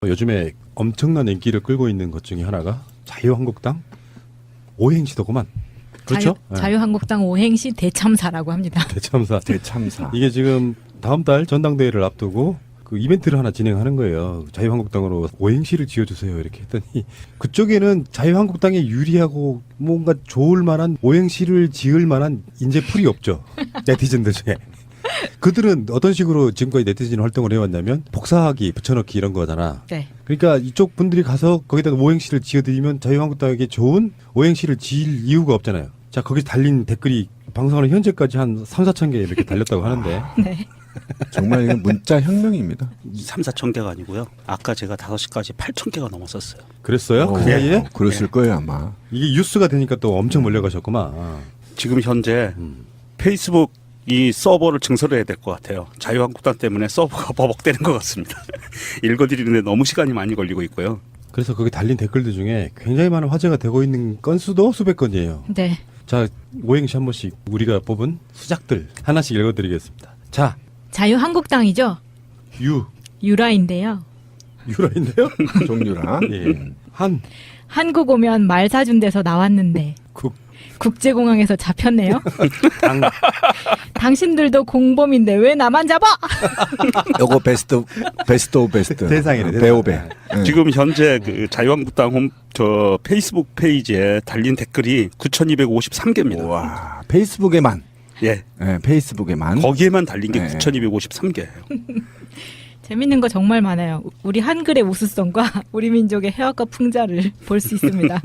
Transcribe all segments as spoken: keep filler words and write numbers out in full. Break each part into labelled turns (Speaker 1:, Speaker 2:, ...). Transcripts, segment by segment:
Speaker 1: 요즘에 엄청난 인기를 끌고 있는 것 중에 하나가 자유한국당 오행시더구만. 그렇죠?
Speaker 2: 자유, 자유한국당 오행시 대참사라고 합니다.
Speaker 1: 대참사.
Speaker 3: 대참사.
Speaker 1: 이게 지금 다음 달 전당대회를 앞두고 그 이벤트를 하나 진행하는 거예요. 자유한국당으로 오행시를 지어주세요. 이렇게 했더니 그쪽에는 자유한국당에 유리하고 뭔가 좋을 만한 오행시를 지을 만한 인재풀이 없죠. 네티즌들 중에. 그들은 어떤 식으로 지금까지 네티즌 활동을 해왔냐면 복사하기, 붙여넣기 이런 거잖아.
Speaker 2: 네.
Speaker 1: 그러니까 이쪽 분들이 가서 거기다 오행시를 지어드리면 자유한국당에게 좋은 오행시를 지을 이유가 없잖아요. 자, 거기 달린 댓글이 방송하는 현재까지 한 삼, 사천 개 이렇게 달렸다고 하는데.
Speaker 2: 네.
Speaker 3: 정말 이건 문자 혁명입니다.
Speaker 4: 삼, 사천 개가 아니고요. 아까 제가 다섯 시까지 팔천 개가 넘었었어요.
Speaker 1: 그랬어요? 그
Speaker 3: 어,
Speaker 1: 사이에?
Speaker 3: 어, 그랬을 거예요 아마.
Speaker 1: 이게 뉴스가 되니까 또 엄청 몰려가셨구만.
Speaker 4: 지금 현재
Speaker 1: 음.
Speaker 4: 페이스북 이 서버를 증설해야 될 것 같아요. 자유한국당 때문에 서버가 버벅대는 것 같습니다. 읽어드리는데 너무 시간이 많이 걸리고 있고요.
Speaker 1: 그래서 거기 달린 댓글들 중에 굉장히 많은 화제가 되고 있는 건수도 수백 건이에요.
Speaker 2: 네.
Speaker 1: 자, 오행시 한 번씩 우리가 뽑은 수작들 하나씩 읽어드리겠습니다. 자,
Speaker 2: 자유한국당이죠.
Speaker 1: 유,
Speaker 2: 유라인데요.
Speaker 1: 유라인데요?
Speaker 3: 종류라.
Speaker 1: 예. 한,
Speaker 2: 한국 오면 말 사준 데서 나왔는데
Speaker 1: 국,
Speaker 2: 국제공항에서 잡혔네요.
Speaker 1: 당,
Speaker 2: 당신들도 공범인데 왜 나만 잡아?
Speaker 3: 요거 베스트 베스트 오브 베스트.
Speaker 1: 대상이네, 대상.
Speaker 3: 배우배. 네.
Speaker 4: 지금 현재 그 자유한국당 홈, 저 페이스북 페이지에 달린 댓글이 구천이백오십삼 개입니다.
Speaker 3: 와 페이스북에만.
Speaker 4: 예.
Speaker 3: 네, 페이스북에만.
Speaker 4: 거기에만 달린 게
Speaker 3: 네.
Speaker 4: 구천이백오십삼 개예요.
Speaker 2: 재밌는 거 정말 많아요. 우리 한글의 우수성과 우리 민족의 해학과 풍자를 볼 수 있습니다.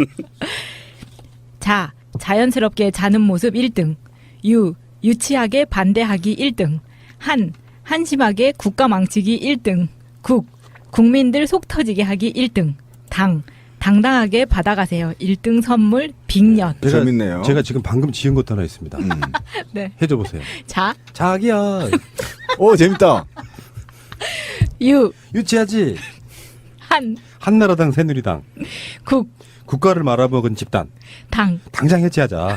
Speaker 2: 자, 자연스럽게 자는 모습 일 등. 유, 유치하게 반대하기 일 등. 한, 한심하게 국가 망치기 일 등. 국, 국민들 속 터지게 하기 일 등. 당, 당당하게 받아가세요. 일 등 선물 빅년.
Speaker 1: 제가,
Speaker 3: 재밌네요.
Speaker 1: 제가 지금 방금 지은 것도 하나 있습니다.
Speaker 3: 음.
Speaker 2: 네.
Speaker 1: 해줘 보세요.
Speaker 2: 자,
Speaker 1: 자기야,
Speaker 3: 오 재밌다.
Speaker 2: 유,
Speaker 1: 유치하지.
Speaker 2: 한,
Speaker 1: 한나라당, 새누리당,
Speaker 2: 국,
Speaker 1: 국가를 말아먹은 집단,
Speaker 2: 당.
Speaker 1: 당장 해체하자.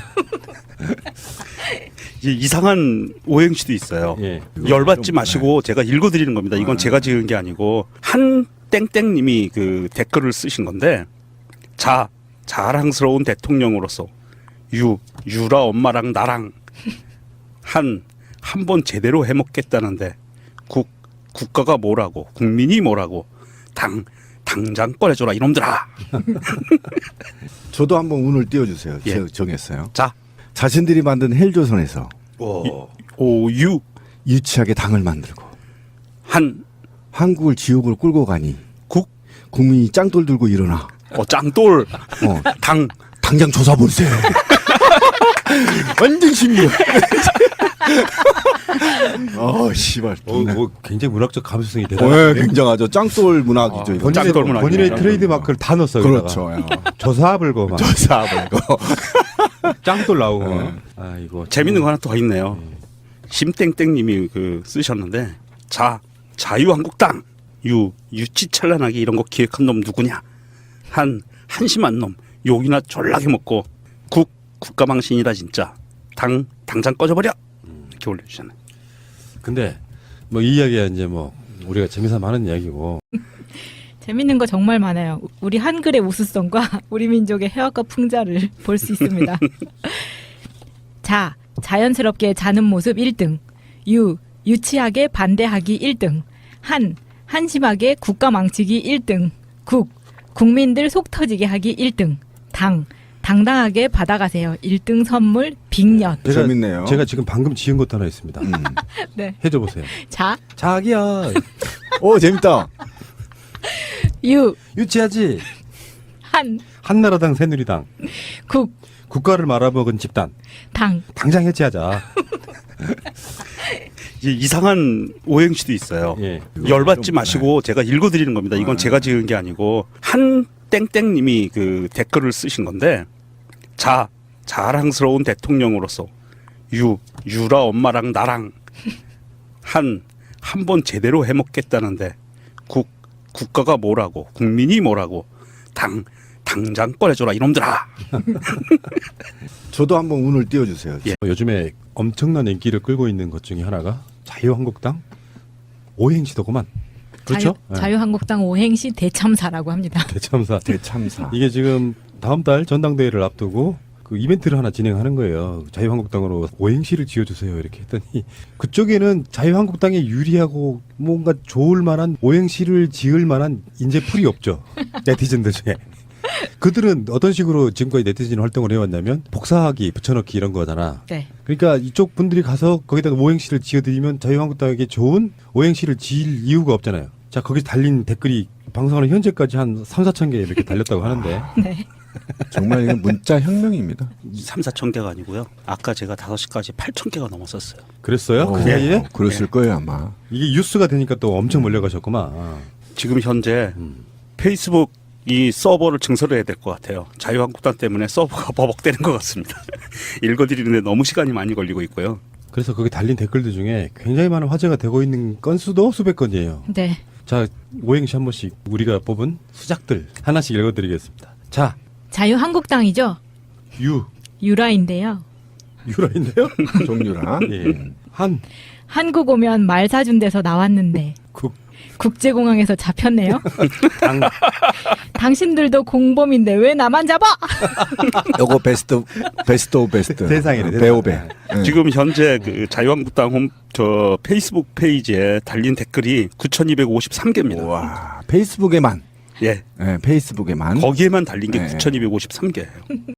Speaker 4: 이 이상한 오행시도 있어요.
Speaker 1: 예.
Speaker 4: 열받지 마시고 제가 읽어드리는 겁니다. 이건 제가 지은 게 아니고 한 땡땡님이 그 댓글을 쓰신 건데, 자 자랑스러운 대통령으로서 유 유라 엄마랑 나랑 한 한 번 제대로 해먹겠다는데 국 국가가 뭐라고 국민이 뭐라고 당 당장 꺼내줘라 이놈들아.
Speaker 3: 저도 한번 운을 띄워주세요.
Speaker 4: 예.
Speaker 3: 제가 정했어요.
Speaker 4: 자
Speaker 3: 자신들이 만든 헬조선에서
Speaker 4: 오, 오유
Speaker 3: 유치하게 당을 만들고
Speaker 4: 한
Speaker 3: 한국을 지옥을 끌고 가니
Speaker 4: 국
Speaker 3: 국민이 짱돌 들고 일어나.
Speaker 4: 어, 짱돌
Speaker 3: 어,
Speaker 4: 당
Speaker 3: 당장 조사보세요. 완전 신기해. 어, 씨발.
Speaker 1: 어, 뭐 굉장히 문학적 감수성이
Speaker 3: 어, 예,
Speaker 1: 대단한데.
Speaker 3: 굉장하죠. 짱돌 문학이죠.
Speaker 4: 아,
Speaker 3: 이거.
Speaker 1: 본인의,
Speaker 4: 짱돌 문학이네.
Speaker 1: 본인의
Speaker 4: 짱돌
Speaker 1: 트레이드 마크를 다 넣었어요.
Speaker 3: 그렇죠. 야.
Speaker 1: 조사불고 막
Speaker 3: 조사보고.
Speaker 1: 짱돌 나오고.
Speaker 3: 네.
Speaker 1: 막. 아 이거
Speaker 4: 재밌는 거 하나 더 있네요. 심땡땡님이 그 쓰셨는데, 자 자유한국당 유 유치찬란하게 이런 거 기획한 놈 누구냐? 한 한심한 놈 욕이나 졸라게 먹고 국 국가망신이다 진짜. 당 당장 꺼져버려. 이렇게 올려주잖아요.
Speaker 1: 근데 뭐 이 이야기야 이제 뭐 우리가 재미삼아 하는 이야기고.
Speaker 2: 재밌는 거 정말 많아요. 우리 한글의 우수성과 우리 민족의 해학과 풍자를 볼 수 있습니다. 자, 자연스럽게 자는 모습 일 등. 유, 유치하게 반대하기 일 등. 한, 한심하게 국가 망치기 일 등. 국, 국민들 속 터지게 하기 일 등. 당, 당당하게 받아가세요. 일 등 선물 빅년.
Speaker 1: 제가,
Speaker 3: 재밌네요.
Speaker 1: 제가 지금 방금 지은 것도 하나 있습니다.
Speaker 3: 음.
Speaker 2: 네.
Speaker 1: 해줘 보세요.
Speaker 2: 자,
Speaker 1: 자기야,
Speaker 3: 오 재밌다.
Speaker 2: 유,
Speaker 1: 유치하지.
Speaker 2: 한,
Speaker 1: 한나라당, 새누리당,
Speaker 2: 국,
Speaker 1: 국가를 말아먹은 집단,
Speaker 2: 당.
Speaker 1: 당장 해체하자.
Speaker 4: 이 이상한 오행시도 있어요.
Speaker 1: 예.
Speaker 4: 열받지
Speaker 3: 좀,
Speaker 4: 마시고 제가 읽어드리는 겁니다. 이건
Speaker 3: 네.
Speaker 4: 제가 지은 게 아니고 한 땡땡님이 그 댓글을 쓰신 건데, 자 자랑스러운 대통령으로서 유 유라 엄마랑 나랑 한 한 번 제대로 해먹겠다는데 국 국가가 뭐라고 국민이 뭐라고 당 당장 꺼내줘라 이놈들아.
Speaker 3: 저도 한번 운을 띄워주세요.
Speaker 4: 예.
Speaker 1: 요즘에 엄청난 인기를 끌고 있는 것 중에 하나가 자유한국당 오행시더구만. 그렇죠?
Speaker 2: 자유, 자유한국당 오행시 대참사라고 합니다.
Speaker 1: 대참사.
Speaker 3: 대참사.
Speaker 1: 이게 지금 다음 달 전당대회를 앞두고 그 이벤트를 하나 진행하는 거예요. 자유한국당으로 오행시를 지어주세요. 이렇게 했더니 그쪽에는 자유한국당에 유리하고 뭔가 좋을 만한 오행시를 지을 만한 인재풀이 없죠. 네티즌들 중에. 그들은 어떤 식으로 지금까지 네티즌 활동을 해왔냐면 복사하기, 붙여넣기 이런 거잖아.
Speaker 2: 네.
Speaker 1: 그러니까 이쪽 분들이 가서 거기다 오행시를 지어드리면 자유한국당에게 좋은 오행시를 지을 이유가 없잖아요. 자, 거기 달린 댓글이 방송하는 현재까지 한 삼, 사천 개 이렇게 달렸다고 하는데.
Speaker 2: 네.
Speaker 3: 정말 이건 문자 혁명입니다.
Speaker 4: 삼, 사천 개가 아니고요. 아까 제가 다섯 시까지 팔천 개가 넘었었어요.
Speaker 1: 그랬어요? 그
Speaker 3: 어,
Speaker 1: 사이에?
Speaker 3: 그랬을 거예요 아마.
Speaker 1: 이게 뉴스가 되니까 또 엄청 몰려가셨구만.
Speaker 4: 지금 현재
Speaker 1: 음.
Speaker 4: 페이스북 이 서버를 증설을 해야 될 것 같아요. 자유한국당 때문에 서버가 버벅대는 것 같습니다. 읽어드리는데 너무 시간이 많이 걸리고 있고요.
Speaker 1: 그래서 거기 달린 댓글들 중에 굉장히 많은 화제가 되고 있는 건수도 수백 건이에요.
Speaker 2: 네.
Speaker 1: 자, 오행시 한 번씩 우리가 뽑은 수작들 하나씩 읽어드리겠습니다. 자,
Speaker 2: 자유한국당이죠.
Speaker 1: 유,
Speaker 2: 유라인데요.
Speaker 1: 유라인데요?
Speaker 3: 종류라.
Speaker 1: 예. 한,
Speaker 2: 한국 오면 말 사준 데서 나왔는데
Speaker 1: 국,
Speaker 2: 국제공항에서 잡혔네요.
Speaker 1: 당,
Speaker 2: 당신들도 공범인데 왜 나만 잡아?
Speaker 3: 요거 베스트 베스트 오브 베스트.
Speaker 1: 세상이네, 세상.
Speaker 3: 배우배. 네.
Speaker 4: 지금 현재 그 자유한국당 홈, 저 페이스북 페이지에 달린 댓글이 구천이백오십삼 개입니다.
Speaker 3: 와 페이스북에만.
Speaker 4: 예.
Speaker 3: 네, 페이스북에만.
Speaker 4: 거기에만 달린 게
Speaker 3: 네.
Speaker 4: 구천이백오십삼 개예요.